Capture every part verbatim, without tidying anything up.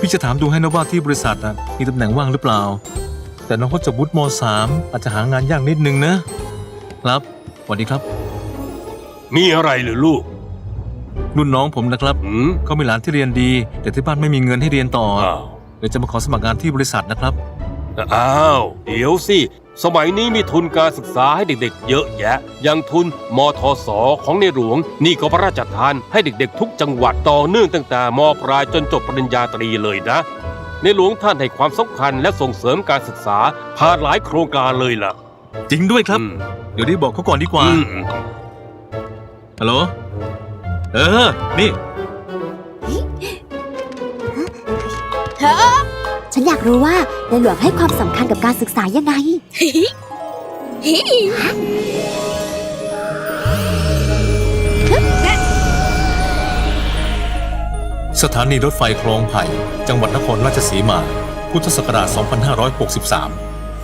พี่จะถามดูให้นะว่าที่บริษัทมีตำแหน่งว่างหรือเปล่าแต่น้องเขาจะวุฒิม สามอาจจะหางานยากนิดนึงนะครับสวัสดีครับมีอะไรหรือลูกรุ่นน้องผมนะครับเขามีหลานที่เรียนดีแต่ที่บ้านไม่มีเงินให้เรียนต่อเดี๋ยวจะมาขอสมัครงานที่บริษัทนะครับอ้าวเดี๋ยวสิสมัยนี้มีทุนการศึกษาให้เด็กๆเยอะแยะอย่างทุนมทส.ของในหลวงนี่ก็พระราชทานให้เด็กๆทุกจังหวัดต่อเนื่องตั้งแต่ม.ปลายจนจบปริญญาตรีเลยนะในหลวงท่านให้ความสำคัญและส่งเสริมการศึกษาผ่านหลายโครงการเลยล่ะจริงด้วยครับเดี๋ยวได้บอกเขาก่อนดีกว่าฮัลโหลเออนี่เธอฉันอยากรู้ว่าในหลวงให้ความสำคัญกับการศึกษายังไงสถานีรถไฟคลองไผ่จังหวัดนครราชสีมาพุทธศักราช สองพันห้าร้อยหกสิบสาม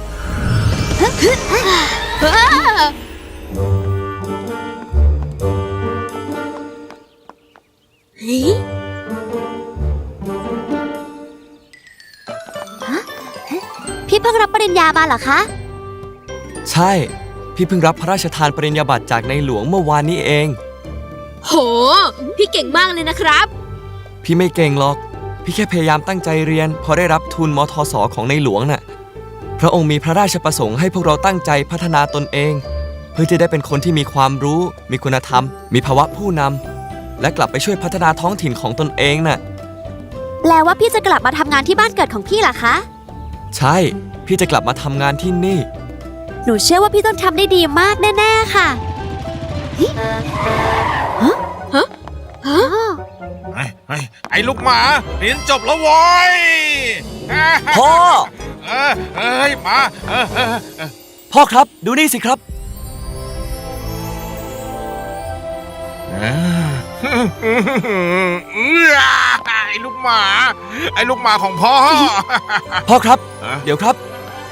พี่เพิ่งรับปริญญามาเหรอคะใช่พี่เพิ่งรับพระราชทานปริญญาบัตรจากในหลวงเมื่อวานนี้เองโหพี่เก่งมากเลยนะครับพี่ไม่เก่งหรอกพี่แค่พยายามตั้งใจเรียนพอได้รับทุนมทส.ของในหลวงน่ะพระองค์มีพระราชประสงค์ให้พวกเราตั้งใจพัฒนาตนเองเพื่อจะได้เป็นคนที่มีความรู้มีคุณธรรมมีภาวะผู้นำและกลับไปช่วยพัฒนาท้องถิ่นของตนเองน่ะแปลว่าพี่จะกลับมาทำงานที่บ้านเกิดของพี่เหรอคะใช่พี่จะกลับมาทำงานที่นี่หนูเชื่อว่าพี่ต้องทำได้ดีมากแน่ๆค่ะฮะฮะฮะไอ้ไอ้ไอ้ลูกหมาเรียนจบแล้ววอยพ่อเออเอ้ยมาพ่อครับดูนี่สิครับไอ้ลูกหมาไอ้ลูกหมาของพ่อพ่อครับเดี๋ยวครับ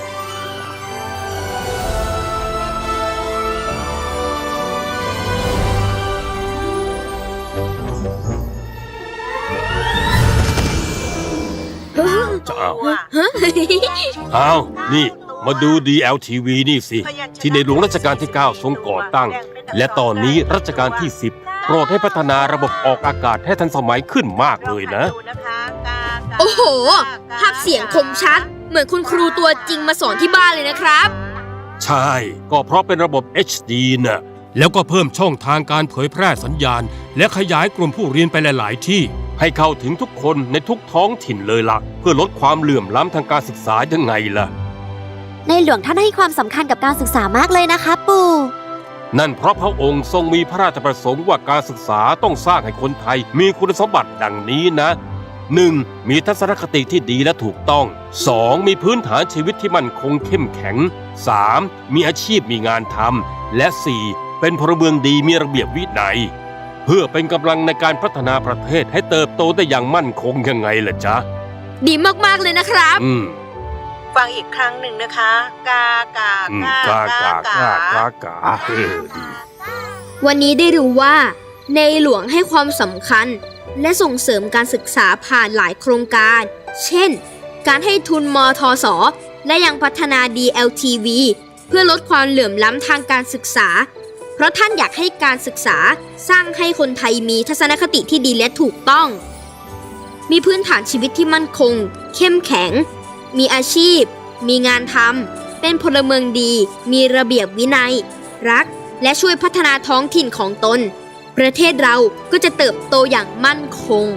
จะเอาอ้าวนี่มาดู ดี แอล ที วี นี่สิที่ในหลวงรัชกาลที่เก้าทรงก่อตั้งและตอนนี้รัชกาลที่สิบโปรดให้พัฒนาระบบออกอากาศให้ทันสมัยขึ้นมากเลยนะโอ้โหภาพเสียงคมชัดเหมือนคุณครูตัวจริงมาสอนที่บ้านเลยนะครับใช่ก็เพราะเป็นระบบ เอช ดี น่ะแล้วก็เพิ่มช่องทางการเผยแพร่สัญญาณและขยายกลุ่มผู้เรียนไปหลายๆที่ให้เข้าถึงทุกคนในทุกท้องถิ่นเลยล่ะเพื่อลดความเหลื่อมล้ำทางการศึกษายังไงล่ะในหลวงท่านให้ความสำคัญกับการศึกษามากเลยนะคะปู่นั่นเพราะพระองค์ทรงมีพระราชประสงค์ว่าการศึกษาต้องสร้างให้คนไทยมีคุณสมบัติดังนี้นะ หนึ่ง. มีทัศนคติที่ดีและถูกต้อง สอง. มีพื้นฐานชีวิตที่มั่นคงเข้มแข็ง สาม. มีอาชีพมีงานทำและ สี่. เป็นพลเมืองดีมีระเบียบวินัยเพื่อเป็นกำลังในการพัฒนาประเทศให้เติบโตได้อย่างมั่นคงยังไงล่ะจ๊ะดีมากๆเลยนะครับฟังอีกครั้งหนึ่งนะคะกากากากากากากากาวันนี้ได้รู้ว่าในหลวงให้ความสำคัญและส่งเสริมการศึกษาผ่านหลายโครงการเช่นการให้ทุนมทส.และยังพัฒนา ดี แอล ที วี เพื่อลดความเหลื่อมล้ำทางการศึกษาเพราะท่านอยากให้การศึกษาสร้างให้คนไทยมีทัศนคติที่ดีและถูกต้องมีพื้นฐานชีวิตที่มั่นคงเข้มแข็งมีอาชีพมีงานทำเป็นพลเมืองดีมีระเบียบวินัยรักและช่วยพัฒนาท้องถิ่นของตนประเทศเราก็จะเติบโตอย่างมั่นคง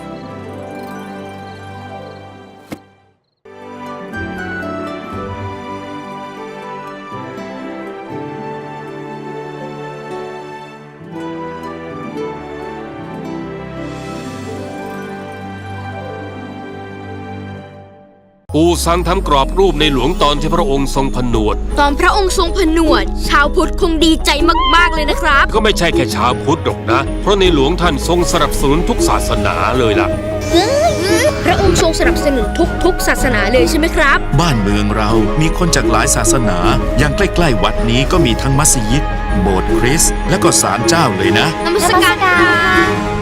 ปู่สั่งทำกรอบรูปในหลวงตอนที่พระองค์ทรงผนวดตอนพระองค์ทรงผนวดชาวพุทธคงดีใจมากๆเลยนะครับก็ไม่ใช่แค่ชาวพุทธหรอกนะเพราะในหลวงท่านทรงสนับสนุนทุกศาสนาเลยล่ะพระองค์ทรงสนับสนุนทุกๆศาสนาเลยใช่ไหมครับบ้านเมืองเรามีคนจากหลายศาสนาอย่างใกล้ๆวัดนี้ก็มีทั้งมัสยิดโบสถ์คริสต์และก็ศาลเจ้าเลยนะนมัสการ